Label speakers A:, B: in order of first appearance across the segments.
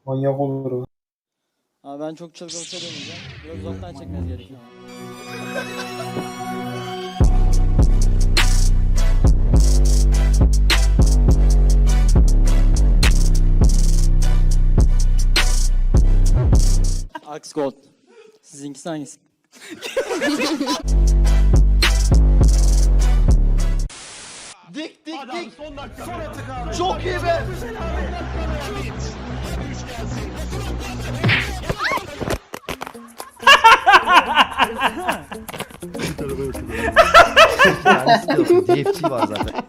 A: Manyak olur o.
B: Abi ben çok çılgın bir şey demeyeceğim. Biraz uzaktan çekmeniz gerekiyor. Axe Gold. Sizinkisi hangisi?
C: Dik. Çok iyi be. DFT var zaten.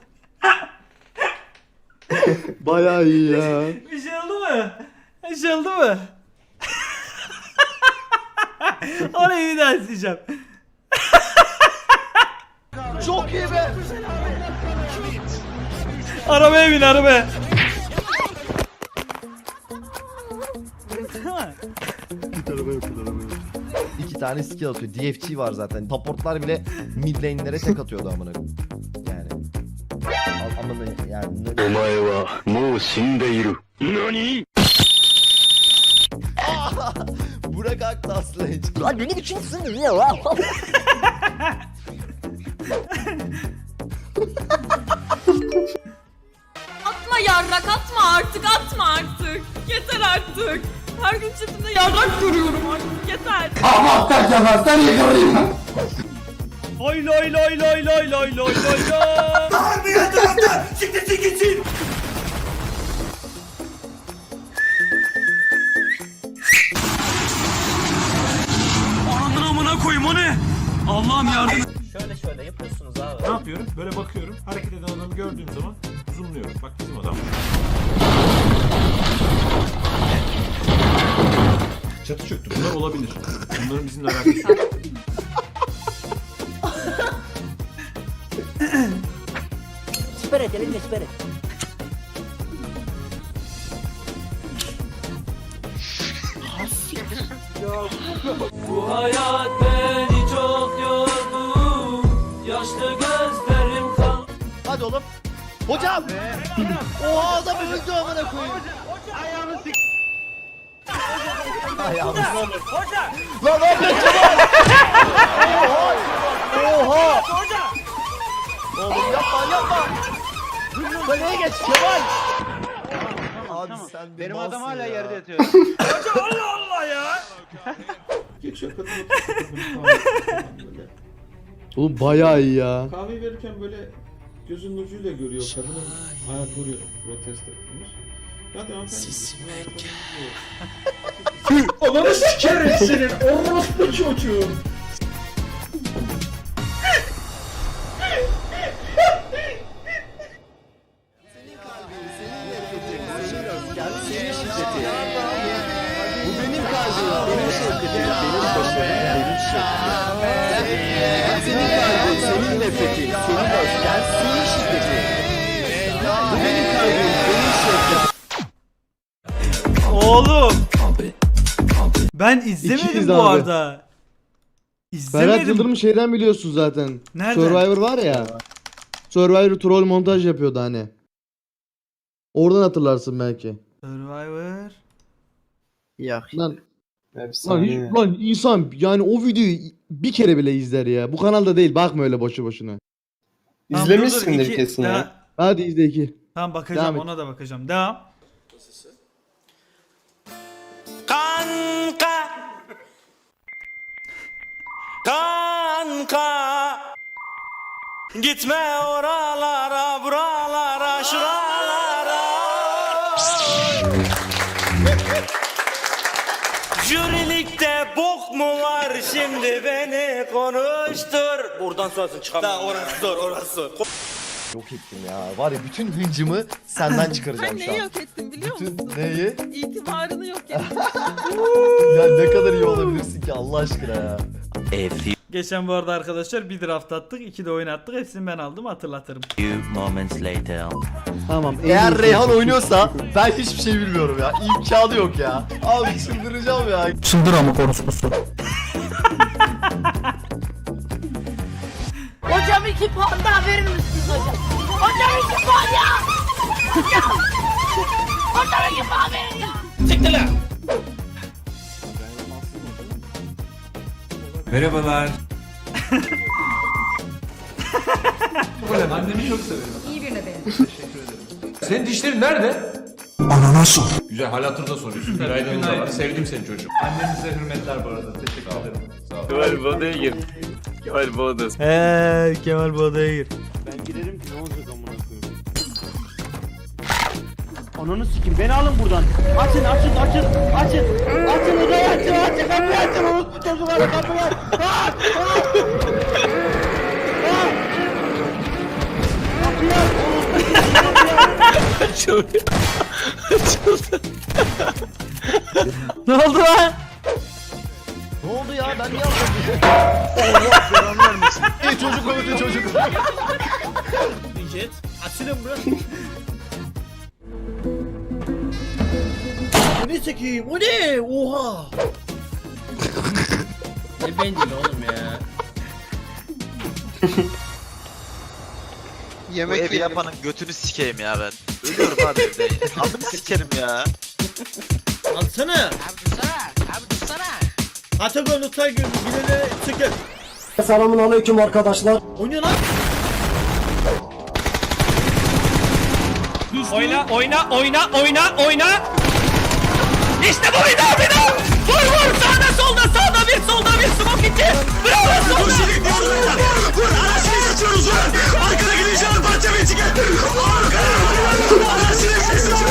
D: Bayağı iyi ya.
E: Bir şey oldu mu? Bir şey oldu mu? Orayı bir daha isteyeceğim.
C: Çok iyi be.
E: Arabaya bin arabaya.
C: İki tane skill atıyor. DFT var zaten. Supportlar bile mid lane'lere tek atıyordu amına. Yani. Amına yani.
F: お前はもう死んでいる。何
C: Burak Aktas'la hiç.
G: Lan beni biçimsin ya lan.
H: Atma yarrak atma artık atma artık. Yeter artık. Her gün chatimde yarrak görüyorum artık yeter.
E: Lay lay lay lay lay lay lay lay lay.
I: Ananın amına koyayım o ne? Allah'ım yardım.
G: Şöyle yapıyorsunuz abi.
I: Ne yapıyorum? Böyle bakıyorum. Hareket eden adamı gördüğüm zaman zoomluyorum. Bak bizim adam. Çatı çöktü. Bunlar olabilir. Bunların bizimle alakası yok.
G: Siper et elinle siper et.
I: Bu hayat beni çok yordu. Yaşlı gözlerim kal.
C: Hadi oğlum. Hocam. Oha adam öldü amına koyayım. Ayağını sik. Ayağını sik. Lan ne yapıyorsun Kemal? Oha. Oğlum yapma. Kaleye geç Kemal. Abi sen benim adam hala yerde yatıyor.
A: Geçiyor kadın
D: Oğlum bayağı iyi ya.
A: kahve verirken böyle gözünün ucuyla görüyor kadının ayakları protesto etmiş. Hadi hanımefendi. Ananı sikerim senin orospu çocuğu.
C: Bu benim kalbim, benim şevketim, benim başarım, benim şevkim. Senin kalbin, senin nefretin, senin öfken, senin şiddetin. Bu benim kalbim, benim şevketim.
E: Oğlum. Ben
D: İkiyiz
E: izlemedim bu
D: abi.
E: arada.
D: Ferhat
E: İzlemedim.
D: Yıldırım şeyden biliyorsun zaten.
E: Nereden?
D: Survivor var ya. Survivor troll montaj yapıyordu hani. Oradan hatırlarsın belki.
E: Survivor.
D: Lan,
A: Efsane.
D: lan insan yani o videoyu bir kere bile izler ya. Bu kanalda değil, bakma öyle boşu boşuna.
E: Tamam, dur, dur,
A: İzlemişsindir
E: iki-
A: kesin ya.
E: daha-
D: Hadi izle iki.
E: Tamam bakacağım,
D: Devam et.
E: ona da bakacağım. Devam.
I: Kanka gitme oralara buralara şuralara. Jürilikte bok mu var şimdi beni konuştur. Buradan sonrasını çıkamam. Daha orası zor.
C: Yok ettim ya, var ya bütün hıncımı senden çıkaracağım
H: Sen
C: şu
H: neyi
C: an.
H: yok ettin biliyor musun?
C: Bütün neyi?
H: İtibarını yok ettin.
C: Ya ne kadar iyi olabilirsin ki Allah aşkına ya.
E: Geçen bu arada arkadaşlar bir draft attık, 2 de oyun attık. Hepsini ben aldım, hatırlatırım.
D: Tamam. en
C: Eğer
D: iyisi.
C: Reyhan oynuyorsa ben hiçbir şey bilmiyorum ya. İmkanı yok ya. Abi çıldıracağım ya.
I: Çıldır ama konuşması.
G: Hocam 2 puan daha verir misiniz hocam? Hocam 2 puan ya! Hocam 2 puan verin ya!
I: Siktir lan. Merhabalar.
J: Annemi çok severim.
H: İyi birine benim.
J: Teşekkür ederim. Senin dişlerin nerede? Ananas. Güzel, hal hatırda soruyorsun. Günaydın da var. Sevdim seni çocuğum. Annenize hürmetler bu arada. Teşekkür ederim. Sağ ol.
C: Kemal bu odaya gir. Kemal bu odası.
E: Kemal bu odaya gir.
C: Ben girerim ki ne olacak amına koyayım. Ananı sikim beni alın buradan. Açın. Açın odayı açın. Kapıyı açın. Orospu çocukları kapıyı aç. Kapıyı aç. Açıldı.
E: Ne oldu lan?
C: Ne oldu ya? Ben niye aldım? Allah belanı vermesin. Çocuk öldü çocuk.
I: Jet. Açılın bro.
C: Bu ne çekeyim? O ne? Oha.
I: Ne bencil oğlum ya.
K: Bu evi yapanın götünü sikeyim ya ben. Ölüyorum abi evde. Adını sikerim ya.
I: Alsana.
G: Abi dursana.
I: Atagon Utay Gül'ü bilene çıkın.
C: Selamun aleyküm arkadaşlar.
I: O ne lan? Oyna. İşte bu bir daha. Vur sağda bir solda bir smoke içi. Bravo solda. Vur anasını geçiyoruz vur. Arkada gideceğiz parça bir çıkın. Anasını geçiyoruz.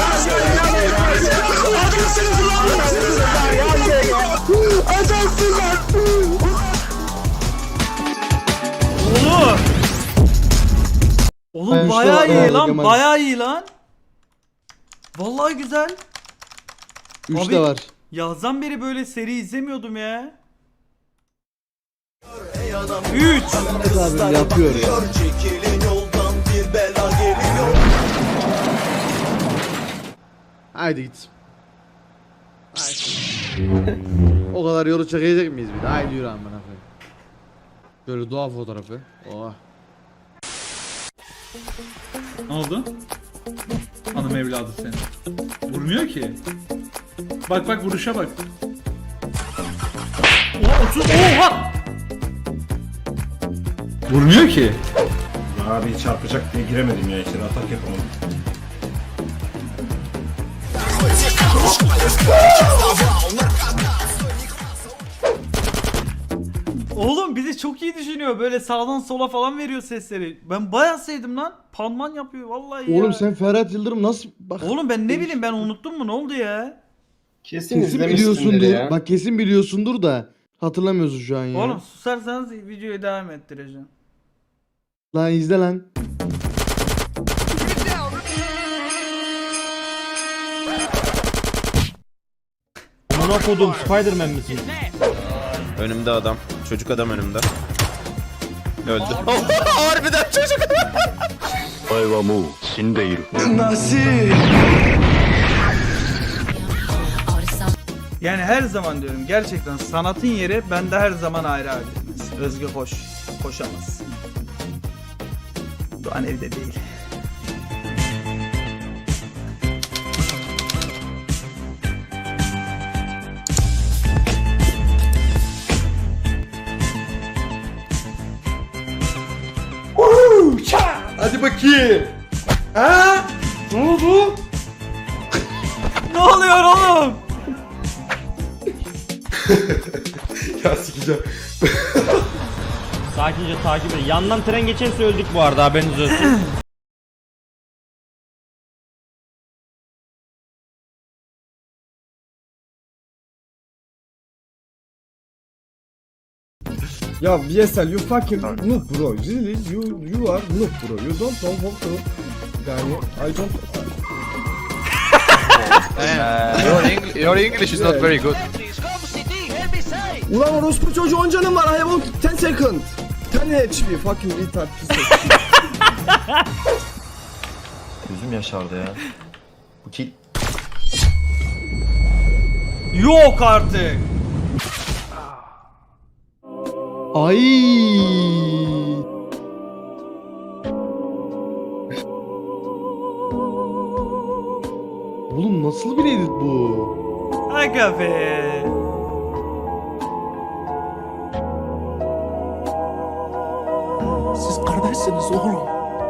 E: Oğlum
D: Ben
E: bayağı
D: şu-
E: iyi
D: Aa,
E: lan,
D: Kemal.
E: bayağı iyi lan. Vallahi güzel.
D: 3
E: Abi-
D: de var.
E: Yazdan beri böyle seri izlemiyordum ya. 3.
D: Abi yapıyor ya. Haydi git. O kadar yolu çekecek miyiz bir de? Haydi yürü amına koyayım. Böyle doğa fotoğrafı. Oha.
J: Ne oldu? Hanım evladı seni. Vurmuyor ki. Bak vuruşa bak. Oha! Vurmuyor ki.
A: Abi çarpacak diye giremedim ya içeri atak yapamadım.
E: Oğlum bizi çok iyi düşünüyor. Böyle sağdan sola falan veriyor sesleri. Ben bayağı sevdim lan. Panman yapıyor vallahi ya.
D: Oğlum sen Ferhat Yıldırım nasıl bak
E: Oğlum ben ne bileyim ben unuttum mu ne oldu ya?
D: kesin biliyorsundur. Bak kesin biliyorsundur da hatırlamıyorsun şu an ya.
E: Oğlum susarsanız videoyu devam ettireceğim.
D: Lan izle lan.
C: Amına kodum Spider-Man misin?
K: Önümde adam. Çocuk adam önümde. Öldü. Harbiden çocuk.
F: お前はもう死んでいる。
E: Yani her zaman diyorum gerçekten sanatın yeri bende her zaman ayrı abi. Özgü hoş. Koşamaz. Doğan evde değil.
D: Hadi bakayım. Ha? Ne oldu?
E: Ne oluyor oğlum?
D: Ya sikeceğim.
C: Sakince takip edin. Yandan tren geçerse öldük bu arada haberiniz olsun.
L: Ya VSL you fucking noob bro. Really you are noob bro. You don't know how to. Yani I don't.
K: Your English is not very good.
L: Ulan orospu çocuğu 10 canım var. I have 10 second. 10 HP fucking retard piece of shit.
K: Gözüm yaşardı ya. Bu kill.
E: Yok artık.
D: Ay. Oğlum nasıl bir edit bu?
E: Aga be.
C: Siz kardeşsiniz oğlum.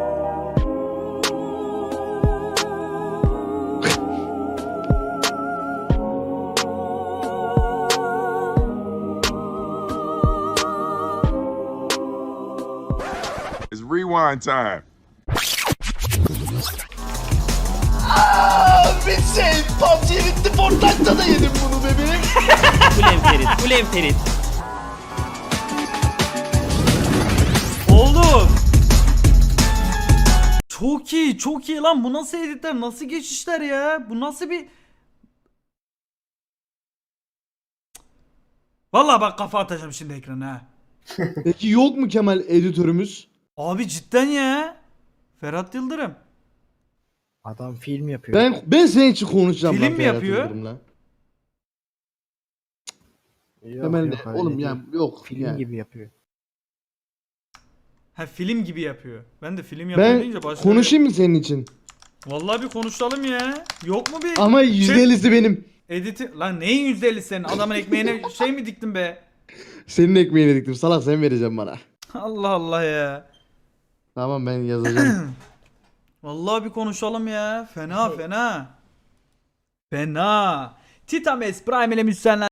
F: It's rewind time.
C: Bitsin. PUBG bitti. Fortnite'da da yedim bunu bebeğim.
I: Ulen Ferit, ulen Ferit.
E: Oğlum. Çok iyi, çok iyi lan. Bu nasıl editler, nasıl geçişler ya? Bu nasıl bir... Vallahi bak kafa atacağım şimdi ekrana ha.
D: Peki yok mu Kemal editörümüz?
E: Abi cidden ya. Ferhat Yıldırım.
B: Adam film yapıyor.
D: Ben senin için konuşacağım.
E: Film
D: lan
E: mi
D: Ferhat
E: yapıyor?
D: Yıldırım'la.
B: Yok,
D: Kemal
B: yok,
D: de
B: öyle
D: oğlum
B: değil.
D: ya yok.
B: Film
D: yani.
B: gibi yapıyor.
E: Ha film gibi yapıyor. Ben de film yapıyor
D: Ben
E: deyince başka...
D: konuşayım mı senin için?
E: Vallahi bir konuşalım ya. Yok mu bir...
D: Ama %50'si benim.
E: Editi... Lan neyin %50'si senin? Adamın ekmeğine şey mi diktin be?
D: Senin ekmeğini diktim. Salak sen vereceksin bana.
E: Allah Allah ya.
D: Tamam ben yazacağım.
E: Vallahi bir konuşalım ya. Fena fena. Fena. Titames Prime ile müzisyenler